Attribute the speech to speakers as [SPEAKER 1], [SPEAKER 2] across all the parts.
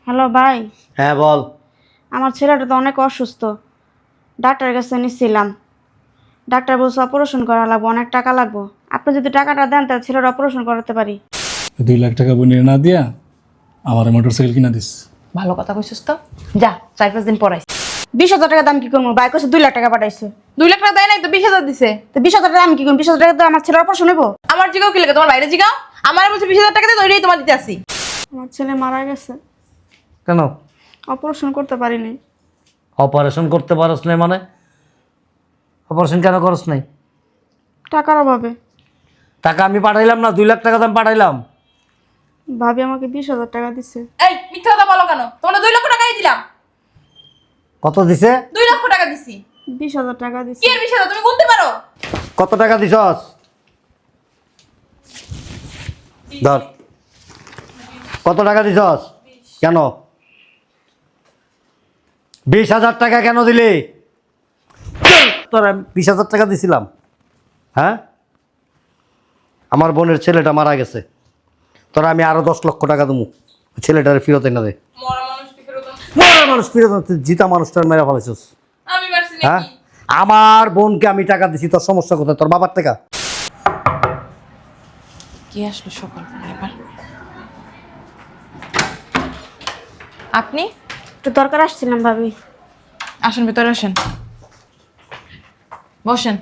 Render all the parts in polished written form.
[SPEAKER 1] Hello ভাই।
[SPEAKER 2] হ্যাঁ বল।
[SPEAKER 1] আমার ছেলেটা তো অনেক অসুস্থ, ডাক্তারের কাছে নিচ্ছিলাম। ডাক্তার বলছে অপারেশন করা লাগবে, অনেক টাকা লাগবে। আপনি যদি টাকাটা দেন তাহলে ছেলের অপারেশন করাতে পারি।
[SPEAKER 3] 2 লাখ টাকা বনিয়ে না দিয়া আমার মোটরসাইকেল কিনা দিস।
[SPEAKER 4] ভালো কথা কইছিস তো। যা 4-5 দিন পরাইস।
[SPEAKER 1] 20,000 টাকা দাম কি করবো? ভাই কাছে 2 লাখ টাকা পাঠাইছে।
[SPEAKER 4] 2 লাখ টাকা দেয় নাই তো 20,000 দিছে।
[SPEAKER 1] তো 20,000 টাকা আমি কি করবো? 20,000 টাকা তো আমার ছেলের অপারেশন হইব।
[SPEAKER 4] আমার জিগাও কি লাগে? তোমার বাইরে জিগাও। আমার বলছে 20,000 টাকা দিয়ে তো ওইটাই তোমার দিতে আসি।
[SPEAKER 1] আমার ছেলে মারা গেছে,
[SPEAKER 2] কেন
[SPEAKER 1] অপারেশন করতে পারিনি।
[SPEAKER 2] অপারেশন করতে পারস নাই? মানে অপারেশন কেন করস নাই?
[SPEAKER 1] টাকার অভাবে।
[SPEAKER 2] টাকা আমি পাঠাইলাম না, 2 লাখ টাকা দাম পাঠাইলাম।
[SPEAKER 1] ভাবি আমাকে 20,000 টাকা দিচ্ছে।
[SPEAKER 4] এই মিথ্যা কথা বলো কেন? তোমরা 2 লক্ষ টাকাই দিলাম।
[SPEAKER 2] কত দিছে?
[SPEAKER 4] 2 লক্ষ টাকা দিছি।
[SPEAKER 1] 20,000 টাকা
[SPEAKER 4] কি
[SPEAKER 1] দিচ্ছে।
[SPEAKER 4] এর বিষয় তুমি গুনতে পারো?
[SPEAKER 2] কত টাকা দিছস? ধর, কত টাকা দিছস? কেন 20,000 টাকা কেন দিলি? তোর 20,000 টাকা দিছিলাম? হ্যাঁ, আমার বোনের ছেলেটা মারা গেছে, তোরা আমি আরো 10 লক্ষ টাকা দেবো ছেলেটার ফিরত এনে দে।
[SPEAKER 4] মরা মানুষ কি ফেরত?
[SPEAKER 2] মরা মানুষ ফিরত আনতে, জিতা মানুষটার মেরে ফেলেছিস।
[SPEAKER 4] আমি মারছি
[SPEAKER 2] হ্যাঁ,
[SPEAKER 4] নাকি?
[SPEAKER 2] আমার বোনকে আমি টাকা দিছি, তোর সমস্যা কোথায়? তোর বাবার টাকা।
[SPEAKER 4] কি আসলো সকাল এবার? আপনি
[SPEAKER 1] একটু দরকার আসছিলাম ভাবি।
[SPEAKER 4] আসেন, ভিতরে আসেন, বসেন।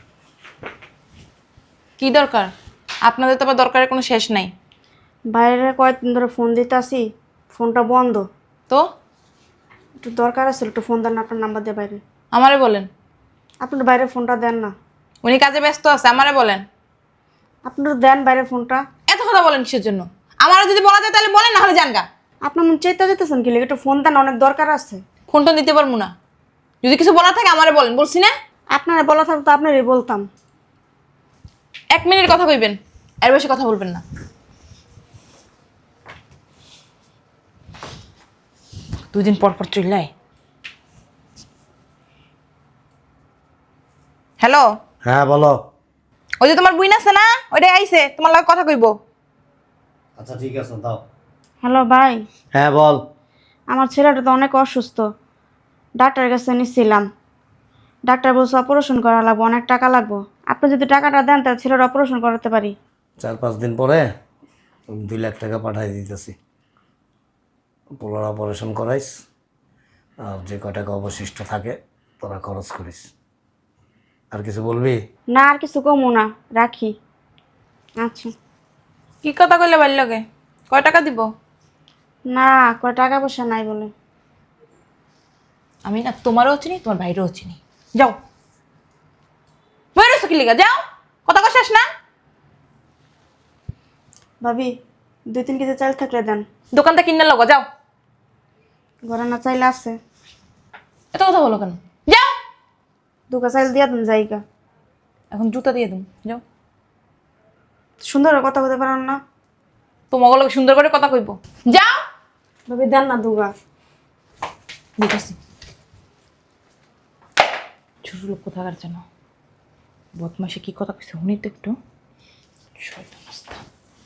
[SPEAKER 4] কি দরকার? আপনাদের তো আবার দরকারের কোনো শেষ নাই।
[SPEAKER 1] বাইরে কয়েকদিন ধরে ফোন দিতে আসি, ফোনটা বন্ধ।
[SPEAKER 4] তো
[SPEAKER 1] একটু দরকার আছে, একটু ফোন দেন না, আপনার নাম্বার দিয়ে বাইরে।
[SPEAKER 4] আমারে বলেন।
[SPEAKER 1] আপনার বাইরে ফোনটা দেন না।
[SPEAKER 4] উনি কাজে ব্যস্ত আছে, আমারে বলেন।
[SPEAKER 1] আপনার দেন বাইরে ফোনটা।
[SPEAKER 4] এত কথা বলেন কিসের জন্য? আমারও যদি বলা যায় তাহলে বলেন, না হলে জানগা।
[SPEAKER 1] আপনার মন চেতে যেতেছেন কি লেগে? একটু ফোন দেন, অনেক দরকার আছে।
[SPEAKER 4] ফোনটা দিতে পারবো না। যদি কিছু বলা থাকে আমারে বলেন, বলছি না?
[SPEAKER 1] আপনারা বলা থাকতো তো আপনারই বলতাম।
[SPEAKER 4] 1 মিনিট কথা কইবেন, এর বেশি কথা বলবেন না। দুদিন পর পর চিল্লাই। হ্যালো,
[SPEAKER 2] হ্যাঁ বলো।
[SPEAKER 4] ওই যে তোমার বুইন আছে না, ওইটাই আইছে, তোমার লগে কথা কইবো।
[SPEAKER 2] আচ্ছা ঠিক আছে, দাও।
[SPEAKER 1] হ্যালো ভাই।
[SPEAKER 2] হ্যাঁ বল।
[SPEAKER 1] আমার ছেলেটা তো অনেক অসুস্থ, ডাক্তারের কাছে নিচ্ছিলাম। ডাক্তার বলছে অপারেশন করা লাগবে, অনেক টাকা লাগবে। আপনি যদি টাকাটা দেন তাহলে ছেলের অপারেশন করাতে পারি।
[SPEAKER 2] 4-5 দিন পরে 2 লাখ টাকা পাঠাই দিতেছি, পোলার অপারেশন করাইস, আর যে কয় টাকা অবশিষ্ট থাকে তোরা খরচ করিস। আর কিছু বলবি?
[SPEAKER 1] না আর কিছু কমো না, রাখি। আচ্ছা।
[SPEAKER 4] কি কথা কইলে ভালো লাগে? কয় টাকা দিব?
[SPEAKER 1] না, টাকা পয়সা নাই বলে।
[SPEAKER 4] আমি না তোমারও চিনি, তোমার ভাইরও চিনি। যাও, বাইরে কি লিগা? যাও, কথা কই শেষ না?
[SPEAKER 1] ভাবি 2-3 কেজি চাল থাকলে দেন।
[SPEAKER 4] দোকানটা কিনে লগো, যাও।
[SPEAKER 1] ঘরে না চাইলে আছে,
[SPEAKER 4] এত কথা বলো কেন? যাও।
[SPEAKER 1] 2 কেজি চাইল দিয়ে দেন জায়গা।
[SPEAKER 4] এখন জুতা দিয়ে দিম, যাও।
[SPEAKER 1] সুন্দর করে কথা বলতে পারেন না?
[SPEAKER 4] তোমাকে লোক সুন্দর করে কথা কইব, যাও।
[SPEAKER 1] ভাবি দেন না দুগা।
[SPEAKER 4] দিতেছি। ছোট লোক কোথাকার যেন বদমাসে কি কথা কইছে শুনি তো একটু। শয়তান রাস্তা।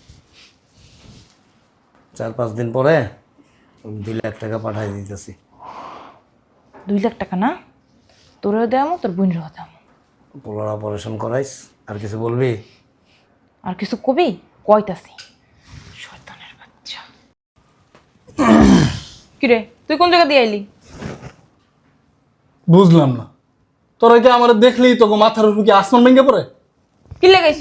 [SPEAKER 2] 4-5 দিন পরে 2 লাখ টাকা পাঠাই দিতেছি।
[SPEAKER 4] 2 লাখ টাকা না? তোরেও দেয়ামো, তোর বোনেরও দেয়ামো।
[SPEAKER 2] পোলার অপারেশন করাইস। আর কিছু বলবি?
[SPEAKER 4] আর কিছু কবি? কইতাছি। শয়তানের বাচ্চা। কিরে, তুই কোন জায়গা দিয়ে আইলি?
[SPEAKER 3] বুঝলাম না, তোরা কি আমার দেখলেই তোকে মাথার উপর কি আসমান ভেঙে পড়ে?
[SPEAKER 4] কি লাগাইছ?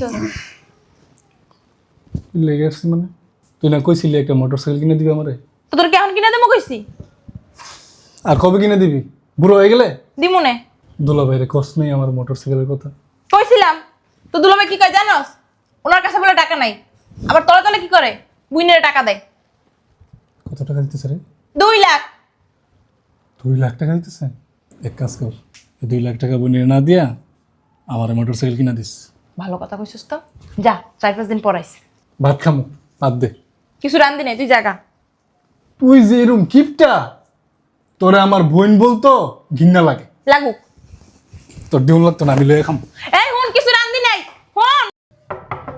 [SPEAKER 3] লেগে আসছি মানে? তুই না কইছিলি একটা মোটরসাইকেল কিনে দিবি আমারে?
[SPEAKER 4] তো তোর কেমন কিনা দেবো কইছি?
[SPEAKER 3] আর কবে কিনে দিবি? বুড়ো হয়ে গেলে?
[SPEAKER 4] দিমুনে।
[SPEAKER 3] দুলা ভাইরে কষ্ট নেই আমার মোটরসাইকেলের কথা?
[SPEAKER 4] কইছিলাম তো। দুলাভাই কি কয় জানোস? ওনার কাছে বলে টাকা নাই, আবার তলে তলে কি করে বুইনের টাকা দেয়।
[SPEAKER 3] কত টাকা দিতেছে রে?
[SPEAKER 4] 2 লাখ।
[SPEAKER 3] 2 লাখ টাকা দিতেছে? এক কাজ কর, 2 লাখ টাকা বনিয়ে না দিয়া আমার মোটরসাইকেল কিনা দিস।
[SPEAKER 4] ভালো কথা কইছিস তো। যা 4-5 দিন পরাইস।
[SPEAKER 3] ভাত খামু, বাদ দে।
[SPEAKER 4] কিছু রান্ধি নাই, তুই জাগা।
[SPEAKER 3] তুই যে এরম কিপটা, তোরে আমার বোন বলতো ঘৃণা লাগে।
[SPEAKER 4] লাগুক।
[SPEAKER 3] তোর দিউন লাগতো না, আমি লয়ে খাম।
[SPEAKER 4] এই হুন, কিছু রান্ধি নাই, হুন।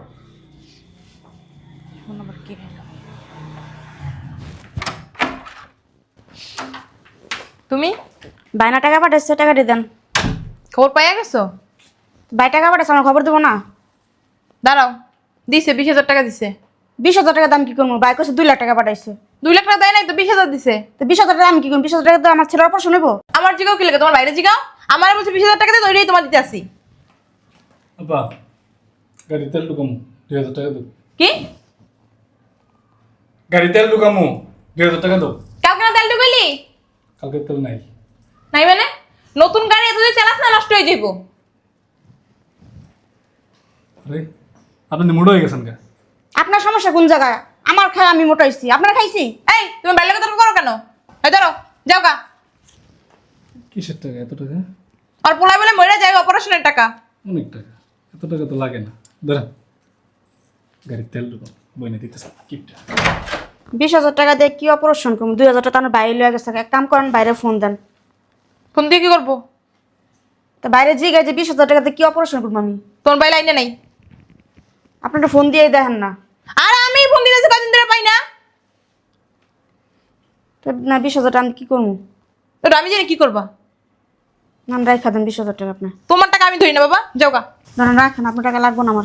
[SPEAKER 4] হুন আবার কি হলো? তুমি
[SPEAKER 1] বাইনা টাকা পাঠাইছে, টাকা দিয়ে দেন।
[SPEAKER 4] খবর পাইয়া গেছো?
[SPEAKER 1] বাই টাকা পাঠাইছে, আমার খবর দেবো না?
[SPEAKER 4] দাঁড়াও, দিছে 20,000 টাকা দিছে।
[SPEAKER 1] 20,000 টাকা দাম কি করবো? বাই কইছে 2 লাখ টাকা পাঠাইছে।
[SPEAKER 4] 2 লাখ টাকা দেয় নাই তো 20,000 দিছে।
[SPEAKER 1] তো 20,000 টাকা আমি কি করবো? 20,000 টাকা তো আমার ছেলের অপারেশন হইব।
[SPEAKER 4] আমার জিগাও কি লাগে? তোমার বাইরে জিগাও। আমার বলছে 20,000 টাকা দিয়ে তো ওইটাই তোমার দিতে আসি।
[SPEAKER 3] আপা গাড়ি তেল ঢুকামো 2,000 টাকা দাও।
[SPEAKER 4] কি?
[SPEAKER 3] গাড়ি তেল ঢুকামো 2,000 টাকা দাও।
[SPEAKER 4] কালকে না তেল ঢুকাইলি?
[SPEAKER 3] কালকে তেল নাই।
[SPEAKER 4] নাই মানে? নতুন গাড়ি এত যদি চালাস না নষ্ট হয়ে যাইব।
[SPEAKER 3] আরে আপনি মুড হয়ে গেছেন কা?
[SPEAKER 1] আপনার সমস্যা কোন জায়গায়? আমার খাই আমি মোটা হইছি, আপনার খাইছি?
[SPEAKER 4] এই তুমি বাইরে কথা করো কেন? এই ধরো, যাও গা।
[SPEAKER 3] কিসের টাকা এত টাকা?
[SPEAKER 4] আর পোলাই বলে মরে যায় অপারেশনের টাকা।
[SPEAKER 3] অনেক টাকা, এত টাকা তো লাগে না। ধরেন গাড়ির তেল ঢুকাম, বইনে দিতেছে কিপটা।
[SPEAKER 1] 20,000 টাকা দিয়ে কি অপারেশন করবো? 2,000 টাকা আমার বাইরে লয়ে গেছে। এক কাম করেন, বাইরে ফোন দেন।
[SPEAKER 4] ফোন দিয়ে কি করবো?
[SPEAKER 1] তো বাইরে জিগায় যে 20,000 টাকা দিয়ে কি অপারেশন করবো আমি?
[SPEAKER 4] তোমার বাই লাইনে নাই।
[SPEAKER 1] আপনারা ফোন দিয়ে দেখেন না।
[SPEAKER 4] আর আমি ফোন দিতেছি কদিন ধরে পাই না।
[SPEAKER 1] তো না 20,000 টাকা আমি কি করবো?
[SPEAKER 4] তো আমি জানি কি করবা।
[SPEAKER 1] নাম রাখা দেন 20,000 টাকা আপনি।
[SPEAKER 4] তোমার টাকা আমি ধরি না বাবা, যাও গা।
[SPEAKER 1] ধরেন রাখেন, আপনার টাকা লাগবো না আমার।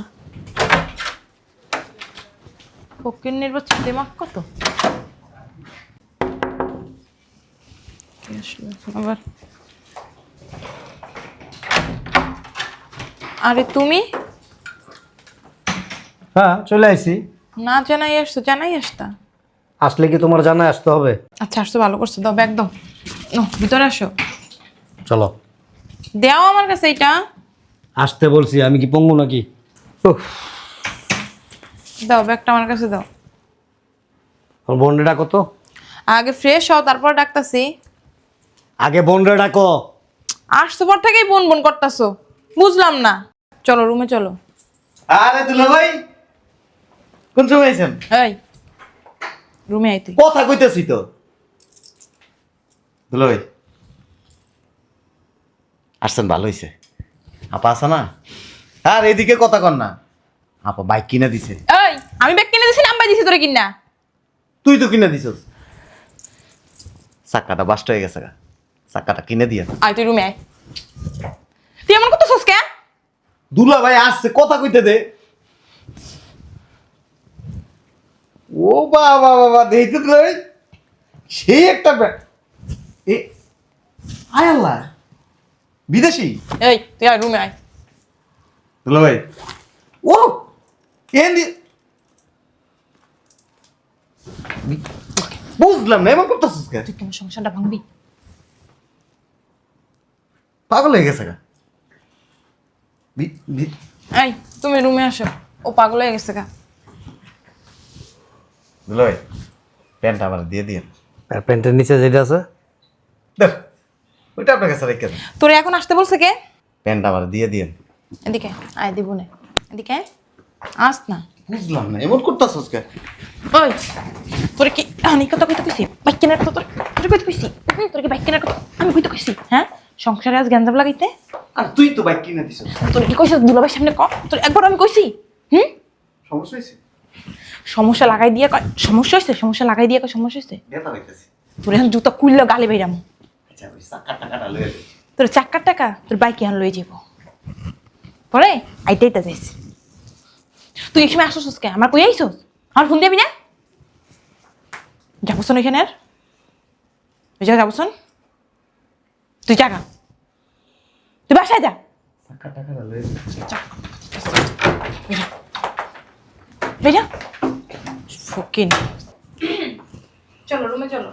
[SPEAKER 4] ফকির নির্বাচন দিমাগ কত আবার। আরে তুমি
[SPEAKER 2] হ্যাঁ চলে আইছি।
[SPEAKER 4] না জানাই আসতো, জানাই আসতা।
[SPEAKER 2] আসলে কি তোমার জানায় আসতে হবে?
[SPEAKER 4] আচ্ছা আসতো, ভালো করছো। দাও ব্যাগ দাও। ভিতরে আসো।
[SPEAKER 2] চলো।
[SPEAKER 4] দেও আমার কাছে এটা।
[SPEAKER 2] আসতে বলছি, আমি কি পঙ্গু নাকি? উফ,
[SPEAKER 4] দাও ব্যাগটা আমার কাছে দাও।
[SPEAKER 2] আমার বোনরে ডাকো তো।
[SPEAKER 4] আগে ফ্রেশ হও, তারপর ডাকতাছি।
[SPEAKER 2] আগে বোনরে ডাকো।
[SPEAKER 4] আসতো পর থেকেই বোন বোন করতাছো, বুঝলাম না। চলো রুমে চলো।
[SPEAKER 2] আরে দুলা ভাই, কোন সময় আইছেন?
[SPEAKER 4] এই রুমে আই তুই।
[SPEAKER 2] কথা কইতেছি তো। দুলা ভাই আসছেন, ভালো হইছে। আপা আছে না? আর এদিকে কথা কর না। আপা বাইক কিনে দিছে।
[SPEAKER 4] এই আমি ব্যাগ কিনে দিছি না আম্বাই দিছি তোরে কিনা?
[SPEAKER 2] তুই তো কিনে দিছস। চাক্কাটা বাস্ট হয়ে গেছে গা, চাক্কাটা কিনে দিয়ে।
[SPEAKER 4] আয় তুই রুমে আয়। তুই এমন করতেছস কেন?
[SPEAKER 2] দুলা ভাই আসছে, কথা কইতে দে। ও বাবা বাবা, দেখতে দুলা ভাই সেই একটা এ আয় আল্লাহ, বিদেশি।
[SPEAKER 4] এই তুই আয় রুমে আয়।
[SPEAKER 2] দুলা ভাই ও এন্দি বুঝলাম না, এমন করতেছিস কেন?
[SPEAKER 4] তুই কেন সংসারটা ভাঙবি?
[SPEAKER 2] পাগল হয়ে গেছে গা।
[SPEAKER 4] এই তুমি রুমে আসো, ও পাগল হয়ে গেছে গা।
[SPEAKER 2] দুলা ভাই প্যান্টটা আমার দিয়ে দিন। আর প্যান্টের নিচে যেটা আছে দেখ, ওইটা আপনার কাছে রেখে দেন।
[SPEAKER 4] তোরে এখন আসতে বলছে কে?
[SPEAKER 2] প্যান্টটা আমার দিয়ে দিন।
[SPEAKER 4] এদিকে আয়, দিব না। এদিকে আয়। আস না।
[SPEAKER 2] বুঝলাম না, এমন করতেছিস কেন?
[SPEAKER 4] ওই তোরে কি আমি কথা কইতে কইছি? বাইক কেনার কথা তোরে কইতে কইছি? তোরে কি বাইক কেনার কথা আমি কইতে কইছি? হ্যাঁ, সংসারে আজ গ্যাঞ্জাম লাগাইতে?
[SPEAKER 2] আর তুই তো বাইক কিনে দিছিস।
[SPEAKER 4] তোরে কি কইছিস দুলাভাইয়ের সামনে ক? তোর একবার আমি কইছি?
[SPEAKER 2] সমস্যা হয়েছে?
[SPEAKER 4] সমস্যা লাগাই দিয়ে কয় সমস্যা হইছে? সমস্যা লাগাই দিয়ে কয় সমস্যা হইছে?
[SPEAKER 2] ব্যথা পাইতেছি।
[SPEAKER 4] তোর এখন জুতা কুইল্লা গালে বাইরাম।
[SPEAKER 2] আচ্ছা ওই চাকা টাকাটা লয়ে দে।
[SPEAKER 4] তোর চাক্কার টাকা তোর বাইকে এখন লয়ে যাব। পরে আইটাইটা যাইছি। তুই এই সময় আসছিস কে? আমার কই আইছস? আমার ফোন দিবি না? যাবছন এখানে আর ওই জায়গা যাবছন? তুই জাগা, তুই বাসায় যা।
[SPEAKER 2] চাকা টাকাটা লয়ে দে।
[SPEAKER 4] বেজা ফকিন। চলো রুমে চলো।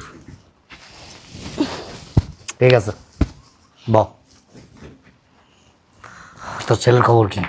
[SPEAKER 2] ঠিক আছে বল, তোর ছেলের খবর কি?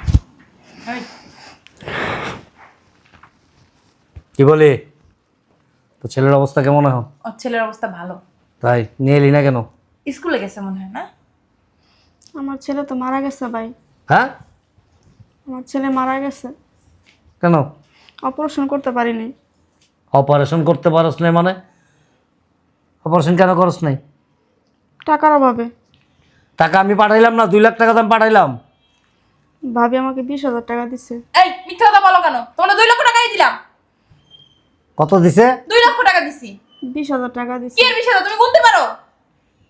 [SPEAKER 2] কি বলি, তোর ছেলের অবস্থা কেমন এখন?
[SPEAKER 4] ওর ছেলের অবস্থা ভালো।
[SPEAKER 2] তাই নিয়ে এলি না কেন?
[SPEAKER 4] স্কুলে গেছে মনে হয় না?
[SPEAKER 1] আমার ছেলে তো মারা গেছে ভাই।
[SPEAKER 2] হ্যাঁ
[SPEAKER 1] আমার ছেলে মারা গেছে,
[SPEAKER 2] কেন?
[SPEAKER 1] অপারেশন করতে পারিনি।
[SPEAKER 2] অপারেশন করতে পারস নাই মানে? অপারেশন কেন করস নাই?
[SPEAKER 1] টাকার অভাবে।
[SPEAKER 2] টাকা আমি পাঠাইলাম না? 2 লাখ টাকা দাম পাঠাইলাম।
[SPEAKER 1] ভাবি আমাকে 20,000 টাকা দিছে।
[SPEAKER 4] এই মিথ্যা কথা বলো কেন? তোমরা 2 লক্ষ টাকাই দিলাম।
[SPEAKER 2] কত দিছে?
[SPEAKER 4] 2 লক্ষ টাকা দিছি।
[SPEAKER 1] 20,000 টাকা দিছে।
[SPEAKER 4] কি এর বিষয় তুমি গুনতে পারো?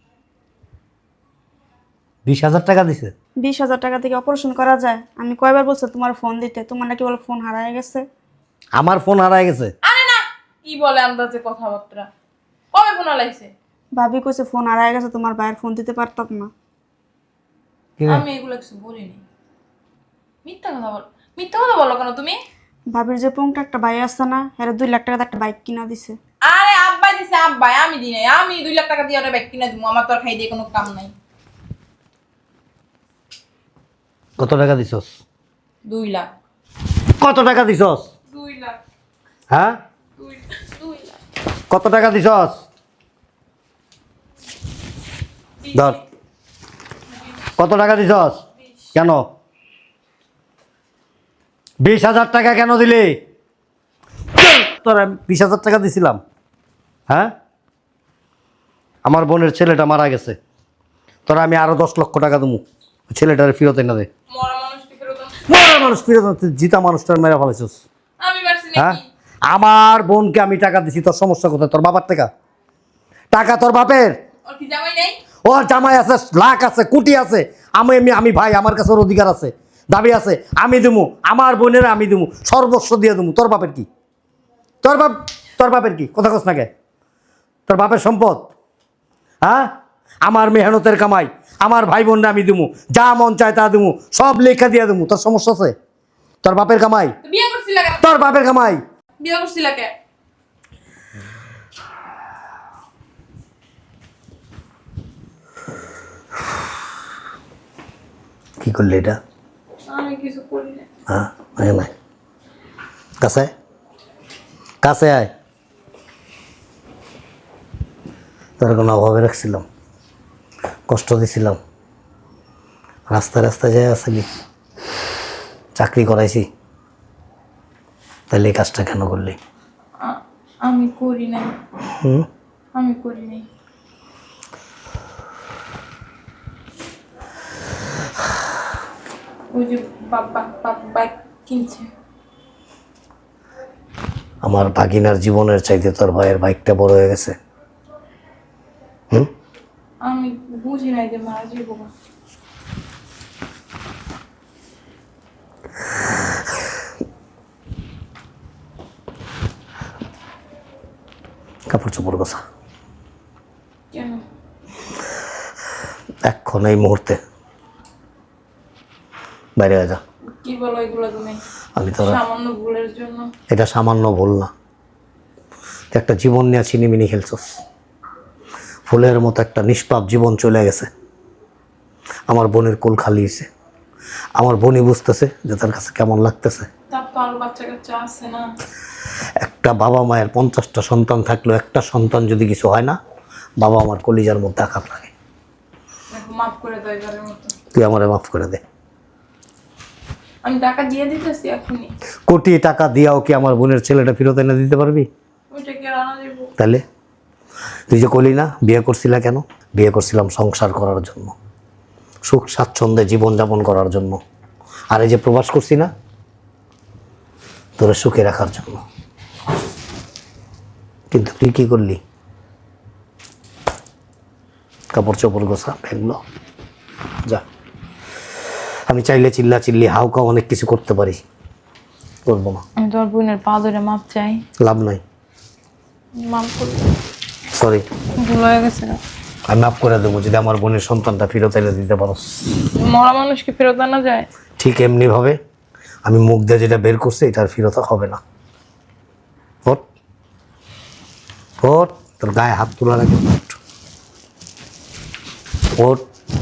[SPEAKER 2] 20,000 টাকা দিছে?
[SPEAKER 1] 20,000 টাকা থেকে অপারেশন করা যায়? আমি কয়বার বলছি তোমার ফোন দিতে, তোমার নাকি বলে ফোন হারায় গেছে।
[SPEAKER 2] আমার ফোন হারায় গেছে?
[SPEAKER 4] আরে না, কি বলে আন্দাজে কথাবার্তা। কবে ফোন আলাইছে?
[SPEAKER 1] ভাবি কইছে ফোন হারায় গেছে, তোমার ভাইয়ের ফোন দিতে পারতাম না।
[SPEAKER 2] কি রে?
[SPEAKER 4] আমি এগুলো কিছু বলিনি। মিথ্যা কথা বলো কেন তুমি?
[SPEAKER 1] ভাবির যে পুংটা একটা ভাই আছে না, এর 2 লাখ টাকা একটা বাইক কিনা দিছে।
[SPEAKER 4] আরে আব্বাই দিছে, আব্বাই, আমি দিই নাই। আমি 2 লাখ টাকা দিয়ে ওরে ব্যাগ কিনে দিব, আমার তো আর খাই দিয়ে কোনো কাম নাই।
[SPEAKER 2] কত টাকা দিছস?
[SPEAKER 4] 2 লাখ।
[SPEAKER 2] কত টাকা দিছস?
[SPEAKER 4] 2 লাখ।
[SPEAKER 2] হ্যাঁ,
[SPEAKER 4] 2 লাখ।
[SPEAKER 2] কত টাকা দিছস? ধর, কত টাকা দিছস? কেন 20,000 টাকা কেন দিলি? তোর আমি 20,000 টাকা দিছিলাম। হ্যাঁ, আমার বোনের ছেলেটা মারা গেছে, তোরা আমি আরো 10 লক্ষ টাকা দেবো ছেলেটারে ফিরত এনে দে।
[SPEAKER 4] মরা মানুষকে ফেরত দাও।
[SPEAKER 2] মরা মানুষ ফিরত আনতে, জিতা মানুষটার মেরে ফেলেছিস।
[SPEAKER 4] আমি মারছি
[SPEAKER 2] হ্যাঁ,
[SPEAKER 4] নাকি?
[SPEAKER 2] আমার বোনকে আমি টাকা দিছি, তোর সমস্যা কোথায়? তোর বাবার টাকা, টাকা তোর বাপের।
[SPEAKER 4] ওর কি জামাই নাই?
[SPEAKER 2] ওর জামাই আছে, লাখ আছে, কোটি আছে। আমি আমি আমি ভাই, আমার কাছে ওর অধিকার আছে, দাবি আছে। আমি দেবো, আমার বোনের আমি দেবো, সর্বস্ব দিয়ে দেবো। তোর বাপের কি? তোর বাপের কি? কথা কস না কে? তোর বাপের সম্পদ? হ্যাঁ, আমার মেহনতের কামাই, আমার ভাই বোনরা আমি দেবো, যা মন চায় তা দেবো, সব লেখা দিয়ে দেবো। তোর সমস্যা আছে? তোর বাপের কামাই,
[SPEAKER 4] তো বিয়ে করছিলা কেন?
[SPEAKER 2] তোর বাপের কামাই।
[SPEAKER 4] বিয়ে করছিলা কে?
[SPEAKER 2] কি করলি এটা?
[SPEAKER 4] আমি কিছু করি না।
[SPEAKER 2] হ্যাঁ, আয় না, কাছে আয়, কাছে আয়। তোর কোনো অভাবে রাখছিলাম, কষ্ট দিছিলাম, রাস্তায় রাস্তায় যাই আসলি, চাকরি করাইছি, তাহলে এই কাজটা কেন করলি?
[SPEAKER 4] আমি করি নাই।
[SPEAKER 2] হুম,
[SPEAKER 4] আমি করি নাই। ওই যে বাবা বাইক কিনছে।
[SPEAKER 2] আমার ভাগিনার জীবনের চাইতে তোর ভাইয়ের বাইকটা বড় হয়ে গেছে। হুম,
[SPEAKER 4] আমি বুঝি নাই যে মারা যাবো।
[SPEAKER 2] কাপড় চোপড় গোছা
[SPEAKER 4] কেন?
[SPEAKER 2] এখন এই মুহূর্তে বাইরে হয়ে যা।
[SPEAKER 4] কি বলো এগুলো তুমি?
[SPEAKER 2] আমি তোরা,
[SPEAKER 4] সামান্য ভুলের জন্য?
[SPEAKER 2] এটা সামান্য ভুল না, তুই একটা জীবন নিয়ে ছিনিমিনি খেলছস। ফুলের মতো একটা নিষ্পাপ জীবন চলে গেছে, আমার বোনের কোল খালি হয়েছে। আমার বোনই বুঝতেছে যে তার কাছে কেমন লাগতেছে।
[SPEAKER 4] তার তো আরো বাচ্চা কাচ্চা আছে না?
[SPEAKER 2] একটা বাবা মায়ের 50টা সন্তান থাকলেও একটা সন্তান যদি কিছু হয় না, বাবা আমার কলিজার মধ্যে আঘাত লাগে।
[SPEAKER 4] দেখো, মাফ করে দাও এবারের মতো।
[SPEAKER 2] তুই আমারে মাফ করে দে।
[SPEAKER 4] আমি টাকা দিয়ে দিতেছি এখনই।
[SPEAKER 2] কোটি টাকা দিয়াও কি আমার বোনের ছেলেটা ফেরত এনে দিতে পারবি?
[SPEAKER 4] ওইটা কি আর আনা যাবো?
[SPEAKER 2] তাহলে তুই যে কলি না বিয়ে করছিলা কেন? বিয়ে করছিলাম সংসার করার জন্য, সুখ স্বাচ্ছন্দ্যে জীবনযাপন করার জন্য। আর এই যে প্রবাস করছি না, তোরে সুখে রাখার জন্য। কিন্তু তুই কি করলি? কাপড় চোপড় গোছা, ব্যাগগুলো যা। আমি চাইলে চিল্লি হাউকা অনেক কিছু করতে পারি, করবো না।
[SPEAKER 4] আমি তোমার বোনের পা ধরে মাপ চাই।
[SPEAKER 2] লাভ নাই,
[SPEAKER 4] মাপ করে
[SPEAKER 2] সরি।
[SPEAKER 4] ভুল হয়ে গেছে।
[SPEAKER 2] আমি মাফ করে দেবো যদি আমার বোনের সন্তানটা ফেরত এনে দিতে পারো।
[SPEAKER 4] মরা মানুষকে ফেরত আনা যায়?
[SPEAKER 2] ঠিক এমনিভাবে আমি মুখ দিয়ে যেটা বের করছি এটার ফেরত হবে না। ওঠ ওঠ, তোর গায়ে হাত তোলার আগে ওঠ ওঠ।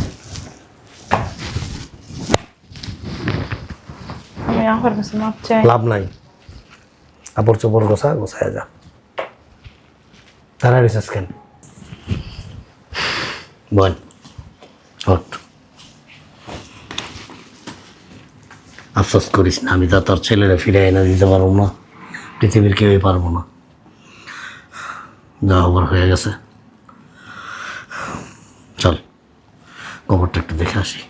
[SPEAKER 4] আমি আপার কাছে মাপ চাই।
[SPEAKER 2] লাভ নাই, কাপড় চোপড় গোছায় যা। তারা রিসার্চ কেন বল, ওঠ। আফসোস করিস না, আমি তো তোর ছেলেরা ফিরে এনে দিতে পারবো না, পৃথিবীর কেউই পারবো না। যা হবার হয়ে গেছে, চল কবরটা একটু দেখে আসি।